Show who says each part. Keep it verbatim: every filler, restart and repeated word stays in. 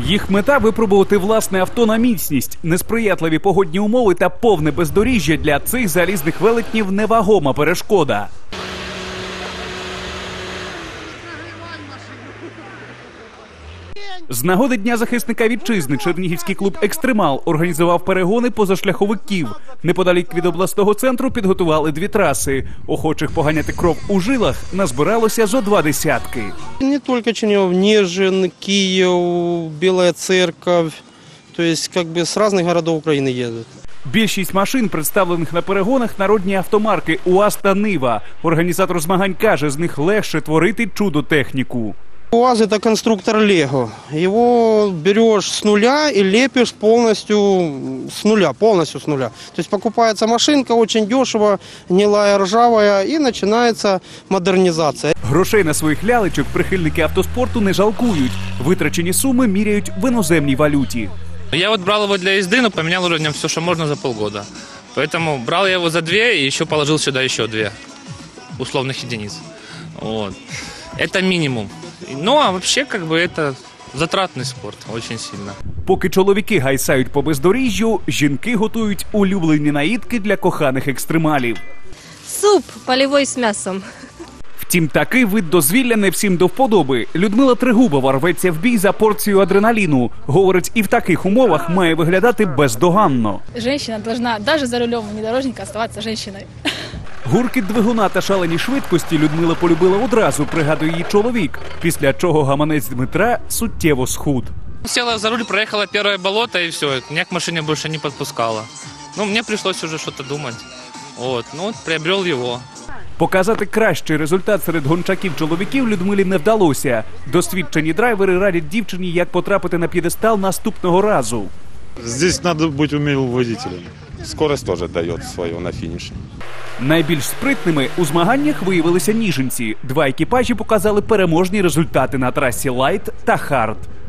Speaker 1: Їх мета – випробувати власне авто на міцність. Несприятливі погодні умови та повне бездоріжжя для цих залізних велетнів – невагома перешкода. З нагоди Дня захисника вітчизни чернігівський клуб «Екстремал» організував перегони позашляховиків. Неподалік від обласного центру підготували дві траси. Охочих поганяти кров у жилах назбиралося зо два десятки.
Speaker 2: Не тільки Чернігів, Ніжин, Київ, Біла Церковь. Тобто, як би, з різних містів України їздять.
Speaker 1: Більшість машин, представлених на перегонах, народні автомарки УАЗ та Нива. Організатор змагань каже, з них легше творити чудо-техніку.
Speaker 2: УАЗ – это конструктор Лего. Его берешь с нуля и лепишь полностью с нуля, полностью с нуля. То есть покупается машинка очень дешево, гнилая, ржавая, и начинается модернизация.
Speaker 1: Грошей на своїх лялечок прихильники автоспорту не жалкують. Витрачені суми міряють в іноземній валюті.
Speaker 3: Я вот брал его для езды, но поменял уже в нем все, что можно за полгода. Поэтому брал я его за две и еще положил сюда еще две условных единиц. Вот. Это минимум. Ну, а вообще, как бы, это затратный спорт, очень сильно.
Speaker 1: Поки чоловіки гайсають по бездоріжжю, жінки готують улюблені наїдки для коханих екстремалів.
Speaker 4: Суп полевой с мясом.
Speaker 1: Втім, такий вид дозвілля не всім до вподоби. Людмила Трегубова рветься в бій за порцію адреналіну. Говорить, і в таких умовах має виглядати бездоганно.
Speaker 5: Женщина должна, даже за рулем внедорожника, оставаться женщиной.
Speaker 1: Гуркіт двигуна та шалені швидкості Людмила полюбила одразу, пригадує її чоловік, після чого гаманець Дмитра суттєво схуд.
Speaker 3: Села за руль, проехала первое болото и все, меня к машине больше не подпускало. Ну, мне пришлось уже что-то думать. Вот, ну вот приобрел его.
Speaker 1: Показати кращий результат серед гончаків-чоловіків Людмилі не вдалося. Досвідчені драйвери радять дівчині, як потрапити на п'єдестал наступного разу.
Speaker 6: Здесь надо быть умелым водителем. Скорость тоже дает свое на финише.
Speaker 1: Найбільш спритними у змаганнях виявилися ніжинці. Два екіпажі показали переможні результати на трасі «Лайт» та «Хард».